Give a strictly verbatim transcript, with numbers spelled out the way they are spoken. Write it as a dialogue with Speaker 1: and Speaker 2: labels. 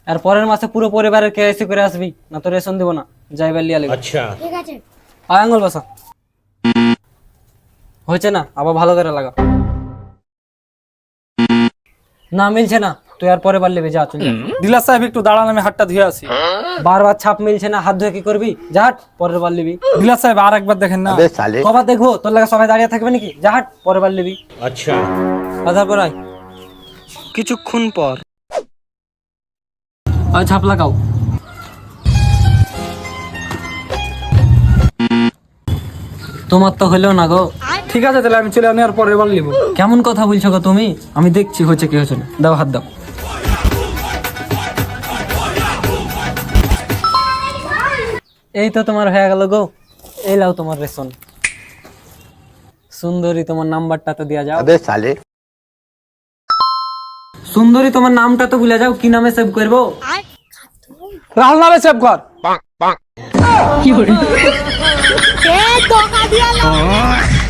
Speaker 1: আর পরের মাসে পুরো পরিবারের কেওয়াইসি করে আসবি, না তো রেশন দিব না। যাইবার লিয়া লাগবে।
Speaker 2: আচ্ছা
Speaker 3: ঠিক আছে।
Speaker 1: আয় আঙ্গুল বসা। হয়েছে না, আবার ভালো করে লাগা। না মিলছে না, তুই আর পরে বার লিবি, যা চল।
Speaker 4: ডিলার সাহেব একটু দাঁড়ান, আমি হাতটা ধুয়ে আসি।
Speaker 1: বারবার ছাপ মিলছে না, হাত ধুয়ে কি করবি? যা হাট, পরের বার লিবি।
Speaker 4: ডিলার সাহেব আর একবার দেখেন না।
Speaker 1: কবার দেখবো? তোর লাগা সবাই দাঁড়িয়ে থাকবে নাকি? যা হাট, পরের বার লিবি।
Speaker 2: আচ্ছা
Speaker 1: আধার পর আয়। কিছুক্ষণ পর আয় ছাপ লাগাও। তোমার তো হইলো না গো।
Speaker 4: ঠিক আছে তাহলে আমি চলে আমি আর পরের বার নিব।
Speaker 1: কেমন কথা বলছো গো তুমি? আমি দেখছি হচ্ছে কি হচ্ছে না। দাও হাত দাও। এই তো তোমার হয়ে গেল গো। এই লাও তোমার রেশন। সুন্দরী, তোমার নাম্বারটা তো দিয়া যাও।
Speaker 5: अबे साले
Speaker 1: সুন্দরী, তোমার নামটা তো ভুলে যাও। কি নামে সেভ করবো?
Speaker 4: রাহুল নামে সেভ কর।
Speaker 3: এ ধোকা দিয়ালো।